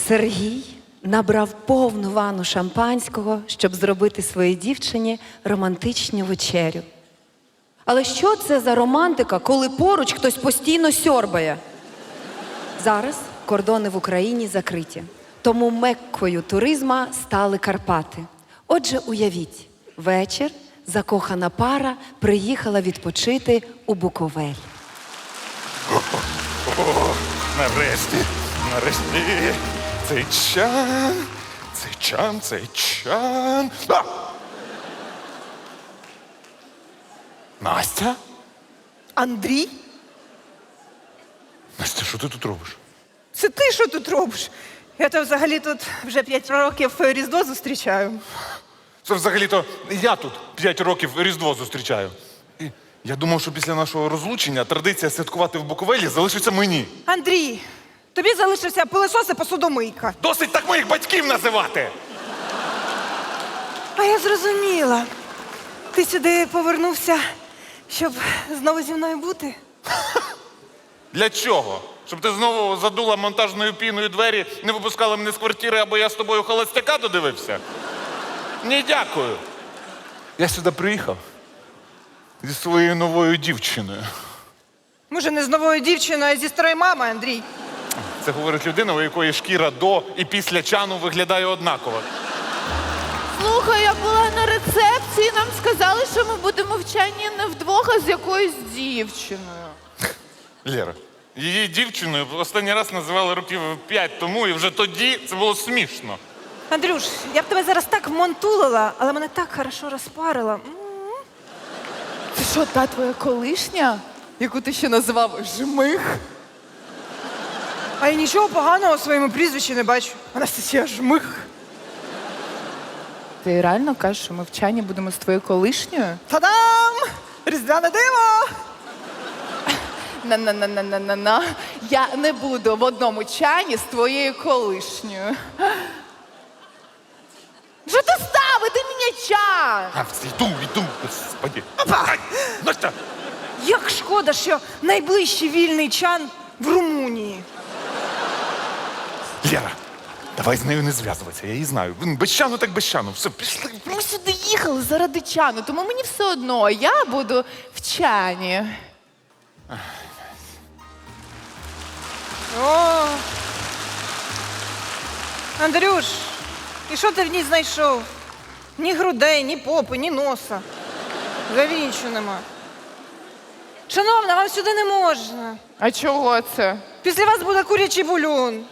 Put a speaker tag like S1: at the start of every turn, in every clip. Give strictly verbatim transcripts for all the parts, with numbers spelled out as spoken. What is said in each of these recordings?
S1: Сергій набрав повну ванну шампанського, щоб зробити своїй дівчині романтичну вечерю. Але що це за романтика, коли поруч хтось постійно сьорбає? Зараз кордони в Україні закриті, тому меккою туризма стали Карпати. Отже, уявіть, вечір закохана пара приїхала відпочити у Буковель.
S2: О, нарешті, нарешті, цей чан, цей чан, цей чан. А! Настя?
S3: Андрій?
S2: Настя, що ти тут робиш?
S3: Це ти що тут робиш? Я то взагалі тут вже п'ять років Різдво зустрічаю.
S2: Це взагалі-то я тут п'ять років Різдво зустрічаю. І я думав, що після нашого розлучення традиція святкувати в Буковелі залишиться мені.
S3: Андрій, тобі залишився пилосос і посудомийка.
S2: Досить так моїх батьків називати!
S3: А я зрозуміла. Ти сюди повернувся, щоб знову зі мною бути?
S2: Для чого? Щоб ти знову задула монтажною піною двері, не випускала мене з квартири, або я з тобою холостяка додивився? Ні, дякую. Я сюди приїхав зі своєю новою дівчиною.
S3: Може, не з новою дівчиною, а зі старої мами, Андрій.
S2: Це говорить людина, у якої шкіра до і після чану виглядає однаково.
S4: Слухай, я була на рецепції, нам сказали, що ми будемо вчені не вдвох, а з якоюсь дівчиною.
S2: Лєра, її дівчиною останній раз називали років п'ять тому, і вже тоді це було смішно.
S3: Андрюш, я б тебе зараз так вмонтулила, але мене так хорошо розпарила. М.
S4: Це що, та твоя колишня, яку ти ще називав жмих?
S3: А я нічого поганого у своєму прізвищі не бачу. Анастасія Жмих.
S4: Ти реально кажеш, що ми вчені будемо з твоєю колишньою?
S3: Та-дам! Різдвяне диво!
S4: На-на-на-на-на-на. Я не буду в одному чані з твоєю колишньою. Що ти ставити мені чан?
S2: А, йду, йду, господи.
S3: Опа!
S2: Ай, Настя!
S3: Як шкода, що найближчий вільний чан в Румунії.
S2: Лєра, давай з нею не зв'язуватися, я її знаю. Без чану так без чану. Все, пішли.
S4: Ми сюди їхали заради чану, тому мені все одно, я буду в чані.
S3: О! Андрюш, і що ти в ній знайшов? Ні грудей, ні попи, ні носа. Взагалі нічого нема. Шановна, вам сюди не можна.
S4: А чого це?
S3: Після вас буде курячий бульон.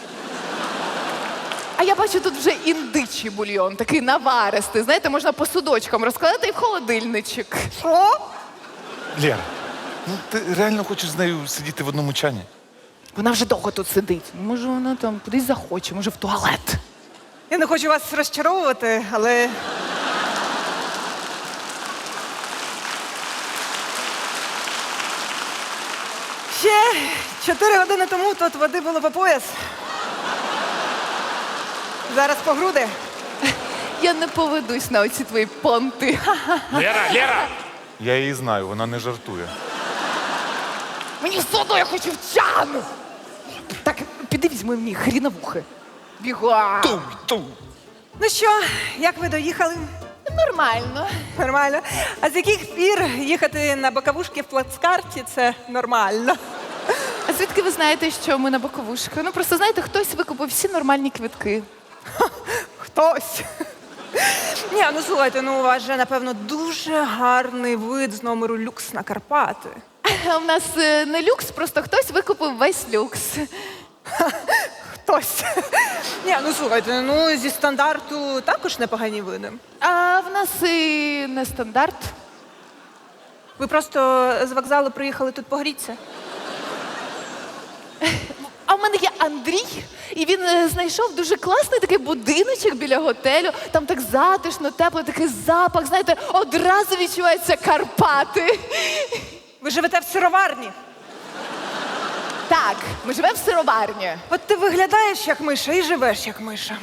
S4: А я бачу, тут вже індичий бульйон, такий наваристий. Знаєте, можна по судочкам розкладати і в холодильничок.
S3: Що?
S2: Лєра, ну ти реально хочеш з нею сидіти в одному чані?
S4: Вона вже довго тут сидить. Може, вона там кудись захоче, може, в туалет.
S3: Я не хочу вас розчаровувати, але ще чотири години тому тут води було по пояс. Зараз по груди.
S4: Я не поведусь на оці твої понти.
S2: Лєра, Лєра! Я її знаю, вона не жартує.
S4: Мені все одно, я хочу в чан! Так, піди візьми мені хріновухи. Бігла!
S2: Ту, ту.
S3: Ну що, як ви доїхали?
S4: Нормально.
S3: Нормально. А з яких пір їхати на боковушки в плацкарті – це нормально?
S4: А звідки ви знаєте, що ми на боковушку? Ну, просто, знаєте, хтось викупив всі нормальні квитки.
S3: Хтось. Ні, ну слухайте, ну у вас же, напевно, дуже гарний вид з номеру люкс на Карпати.
S4: А в нас е, не люкс, просто хтось викупив весь люкс.
S3: Хтось. Ні, ну слухайте, ну зі стандарту також непогані види.
S4: А в нас і не стандарт.
S3: Ви просто з вокзалу приїхали тут погрітися?
S4: А в мене є Андрій, і він е, знайшов дуже класний такий будиночок біля готелю. Там так затишно, тепло, такий запах, знаєте, одразу відчуваються Карпати.
S3: Ви живете в сироварні?
S4: Так, ми живемо в сироварні.
S3: От ти виглядаєш як миша і живеш як миша.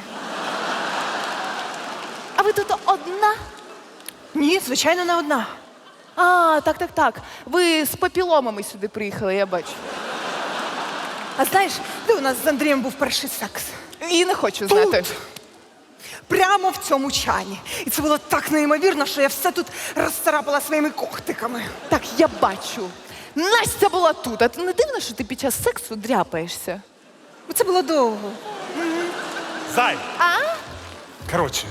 S4: А ви тут одна?
S3: Ні, звичайно, не одна.
S4: А, так, так, так. Ви з папіломами сюди приїхали, я бачу.
S3: А знаєш, де у нас з Андрієм був перший секс?
S4: І не хочу знати.
S3: Прямо в цьому чані. І це було так неймовірно, що я все тут розцарапала своїми когтиками.
S4: Так, я бачу. Настя була тут, а ти не дивно, що ти під час сексу дряпаєшся?
S3: Це було довго.
S2: Зай!
S4: А?
S2: Коротше,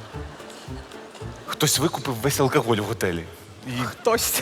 S2: хтось викупив весь алкоголь в готелі. І,
S3: Хтось.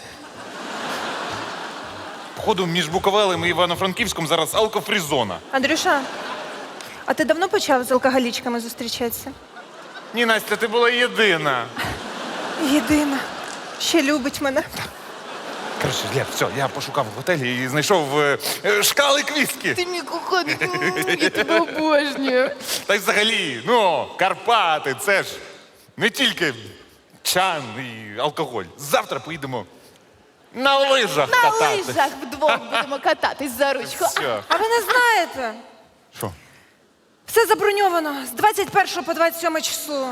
S2: походу, між Буковелем і Івано-Франківськом зараз алкофрі-зона.
S3: Андрюша, а ти давно почав з алкоголічками зустрічатися?
S2: Ні, Настя, ти була єдина.
S3: Єдина. Ще любить мене.
S2: Коротше, Лєв, все, я пошукав в готелі і знайшов е, е, шкалик віскі.
S4: Ти мій коханий, м, я тебе обожнюю.
S2: Та й взагалі, ну, Карпати, це ж не тільки чан і алкоголь. Завтра поїдемо на лижах
S4: На
S2: катати.
S4: лижах вдвох будемо кататись за ручку.
S2: Все.
S3: А ви не знаєте?
S2: Що?
S3: Все заброньовано з двадцять першого по двадцять сьоме число.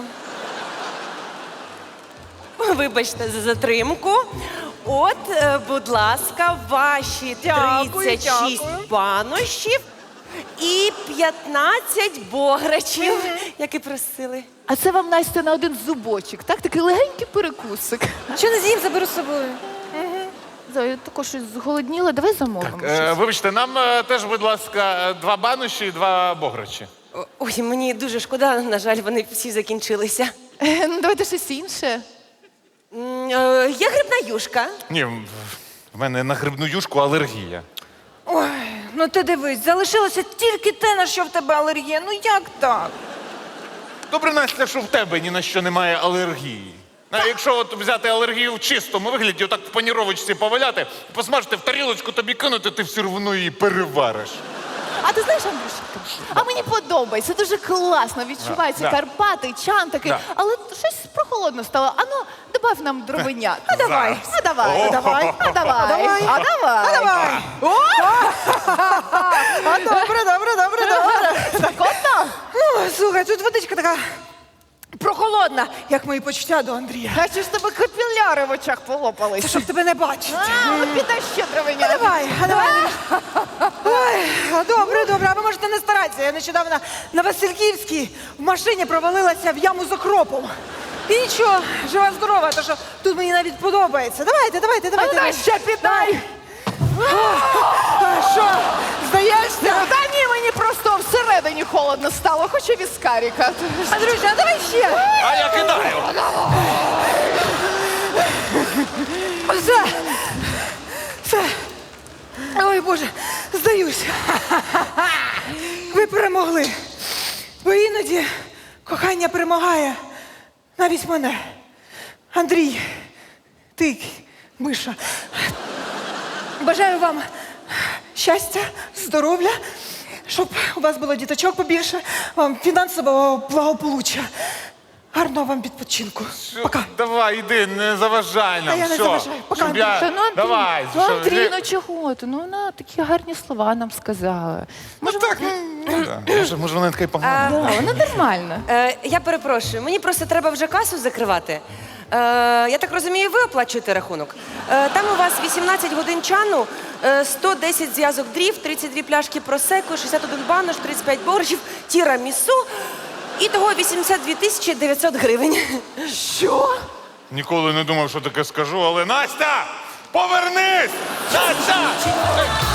S5: Вибачте за затримку. От, е, будь ласка, ваші
S3: Дякую,
S5: тридцять шість
S3: дякую.
S5: банощів і п'ятнадцять бограчів, як і просили.
S4: А це вам, Настя, на один зубочок, так? Такий легенький перекусик.
S3: Що не з'їм, заберу з собою.
S4: Зоя, я також щось зголодніла, давай замовимо.
S2: Е,
S4: щось.
S2: вибачте, нам е, теж, будь ласка, два бануші і два бограчі.
S5: О- Ой, мені дуже шкода, на жаль, вони всі закінчилися.
S4: Е, ну, давайте щось інше.
S5: М, е, Є грибна юшка.
S2: Ні, в в мене на грибну юшку алергія.
S3: Ой, ну ти дивись, залишилося тільки те, на що в тебе алергія. Ну як так?
S2: Добре, Настя, що в тебе ні на що немає алергії. А якщо от взяти алергію в чистому вигляді, отак в паніровочці поваляти, посмажити в тарілочку, тобі кинути, ти все одно її перевариш.
S4: А ти знаєш, Андрюшка, а мені подобається, дуже класно, відчуваються
S2: Да.
S4: Карпати, чан такий,
S2: Да.
S4: але щось прохолодно стало. Ану, добав нам дровенят.
S3: А давай.
S4: А давай,
S2: О.
S4: а давай, а давай,
S3: давай.
S4: а давай.
S3: А давай. А добре, добре, добре, добре.
S4: Спекотно?
S3: Ну, слухай, тут водичка така прохолодна, як мої почуття до Андрія.
S4: А чи ж тебе капіляри в очах
S3: Це
S4: полопались?
S3: щоб тебе не бачити.
S4: А, от піде ще
S3: А
S4: дровенят.
S3: давай, а давай. Ой, а добре, добре, а ви можете не старатися. Я нещодавно на Васильківській в машині провалилася в яму з окропом. І нічого, жива здорова, то що тут мені навіть подобається. Давайте, давайте,
S4: А
S3: давайте.
S4: ну,
S3: давайте.
S4: ще піддай.
S3: А що, здаєшся?
S4: Та ні, мені просто всередині холодно стало, хочу віскаріка.
S3: Андрюша, а давай ще.
S2: А я кидаю!
S3: Все. Все. Ой, Боже, здаюся. Ви перемогли. Бо іноді кохання перемагає навіть мене. Андрій, ти, Миша, бажаю вам щастя, здоров'я, щоб у вас було діточок побільше, вам фінансового благополуччя. Гарного вам відпочинку. Пока.
S2: Давай, іди, не заважай нам.
S3: Та я не
S2: все.
S3: заважаю. Пока,
S2: Щоб я...
S4: Та ну, Андрій,
S2: Давай.
S4: ну,
S2: що,
S4: Андрій,
S2: Лє-
S4: ну чого ти? Ну вона такі гарні слова нам сказала. Може,
S2: Так, ну, да. може, може, вона така й погана.
S4: да, вона нормальна.
S5: Е, я перепрошую, мені просто треба вже касу закривати. Е, я так розумію, ви оплачуєте рахунок. Е, там у вас вісімнадцять годин чану, е, сто десять зв'язок дрів, тридцять дві пляшки просеку, шістдесят один банош, тридцять п'ять борщів, тірамісу. І того вісімдесят дві тисячі дев'ятсот гривень.
S4: Що?
S2: Ніколи не думав, що таке скажу, але Настя! Повернись! Настя!